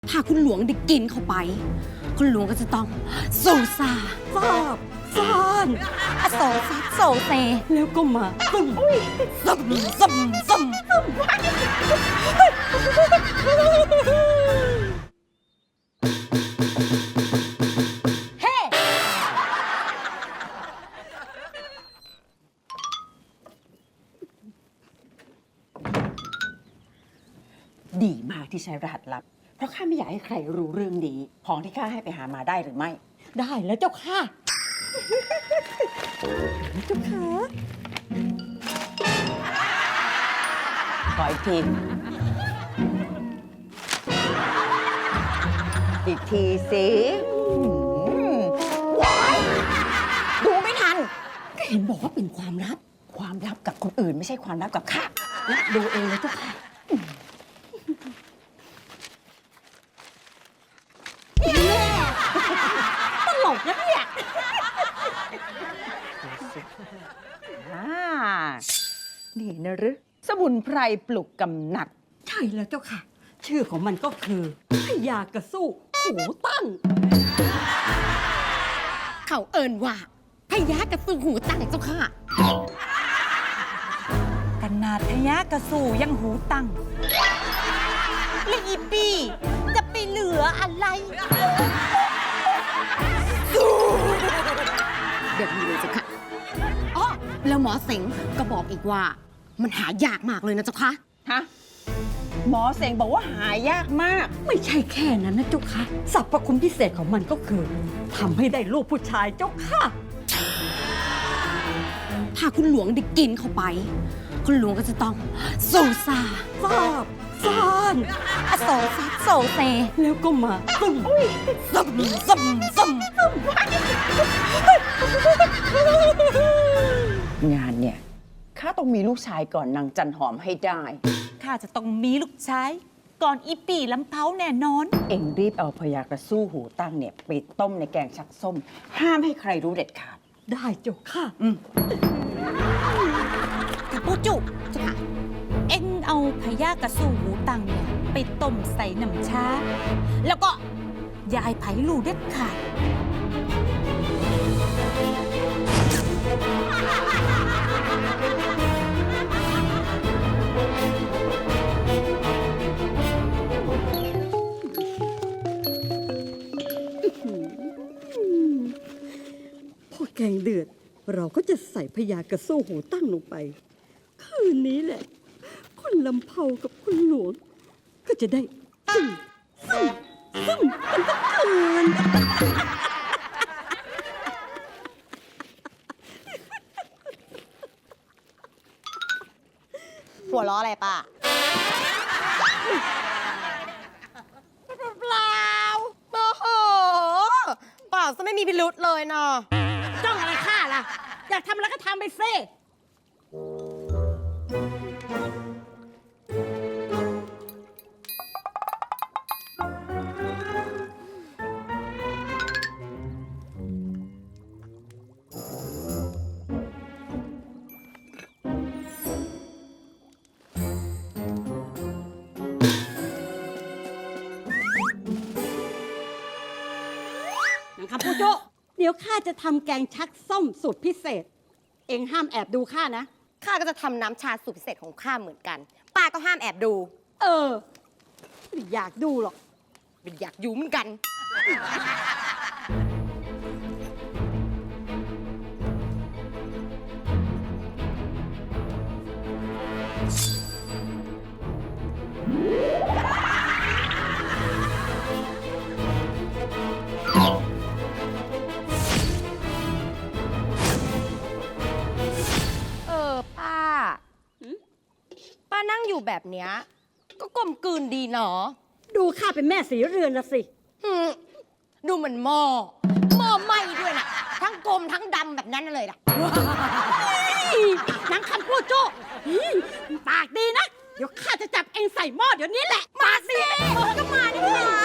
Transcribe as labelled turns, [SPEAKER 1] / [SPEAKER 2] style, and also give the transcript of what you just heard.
[SPEAKER 1] ถ้าคุณหลวงได้กินเข้าไป คุณหลวงก็จะต้องโซซาฟาบซ่านโซซัดโซเซแล้วก็มาซึมซึมซึมซึมเฮ้
[SPEAKER 2] ดีมากที่ใช้รหัสลับ เพราะข้าไม่อยากให้ใครรู้เรื่องนี้ ของที่ข้าให้ไปหามาได้หรือไม่
[SPEAKER 1] ได้แล้วเจ้าค่ะเจ้าค่ะ
[SPEAKER 2] ขออีกที อีกทีสิว้ายดูไม่ทัน
[SPEAKER 1] ก็เห็นบอกว่าเป็นความลับ
[SPEAKER 2] ความลับกับคนอื่นไม่ใช่ความลับกับข้า
[SPEAKER 1] และดูเองเลยเจ้าค่ะ ตลกนะเนี่ย
[SPEAKER 2] นี่นะหรือสมุนไพรปลุกกำหนัด
[SPEAKER 1] ใช่แล้วเจ้าค่ะ ชื่อของมันก็คือพญากระสู้หูตั้ง เขาเอิญว่าพญากระสู้หูตั้งเจ้าค่ะ
[SPEAKER 3] ขนาดพญากระสู่ยังหูตั้งแล้วอีปีจะไปเหลืออะไร
[SPEAKER 1] เดี๋ยวนี้เลยเจ้าค่ะอ๋อแล้วหมอเสงก็บอกอีกว่า มันหายากมากเลยนะเจ้าค่ะ
[SPEAKER 2] ฮะ หมอเสงบอกว่าหายากมาก
[SPEAKER 1] ไม่ใช่แค่นั้นนะเจ้าค่ะสรรพคุณพิเศษของมันก็คือทำให้ได้ลูกผู้ชายเจ้าค่ะ ถ้าคุณหลวงได้กินเข้าไป คุณหลวงก็จะต้องโซซาฟาบซ่านโซซัดโซเซแล้วก็มาซึมซึมซึมซึม
[SPEAKER 2] งานเนี่ยข้าต้องมีลูกชายก่อนนางจันหอมให้ได้
[SPEAKER 3] ข้าจะต้องมีลูกชายก่อนอีปีลำเผาแน่นอน
[SPEAKER 2] เอ็งรีบเอาพญากระสู้หูตั้งเนี่ยไปต้มในแกงชักส้ม ห้ามให้ใครรู้เด็ดขาด
[SPEAKER 1] ได้เจ้าค่ะ
[SPEAKER 3] ถ้าปูจุเจ้าค่ะ เอ็งเอาพญากระสู่หูตั้งเนี่ยไปต้มใส่น้ำชา แล้วก็อย่าให้ไผ่รู้เด็ดขาด
[SPEAKER 4] พอแกงเดือด เราก็จะใส่พญากระสู้หูตั้งลงไป คืนนี้แหละ คุณลำเผากับคุณหลวง ก็จะได้ซึ่งกันทั้งคืน
[SPEAKER 5] หัวล้ออะไรป้าเปล่าโอ้โหเปล่าซะไม่มีพิรุษเลยเนาะ
[SPEAKER 1] จ้องอะไรข้าล่ะ อยากทำอะไรก็ทำไปสิ
[SPEAKER 4] นะครับผู้โจเดี๋ยวข้าจะทำแกงชักส้มสูตรพิเศษ เองห้ามแอบดูข้านะ
[SPEAKER 5] ข้าก็จะทำน้ำชาสูตรพิเศษของข้าเหมือนกัน ป้าก็ห้ามแอบดู
[SPEAKER 4] เออไม่อยากดูหรอก
[SPEAKER 5] ไม่อยากอยู่เหมือนกัน ป้า ป้านั่งอยู่แบบเนี้ยก็กลมกลืนดีเนาะ
[SPEAKER 4] ดูข้าเป็นแม่สีเรือนละสิ
[SPEAKER 5] ดูเหมือนหม้อไหม้ด้วยนะทั้งกลมทั้งดำแบบนั้นเลยล่ะ
[SPEAKER 4] นางคำพูดโจ้ปากดีนะ เดี๋ยวข้าจะจับเองใส่หม้อเดี๋ยวนี้แหละ มาสิ
[SPEAKER 5] ก็มาดิค่ะ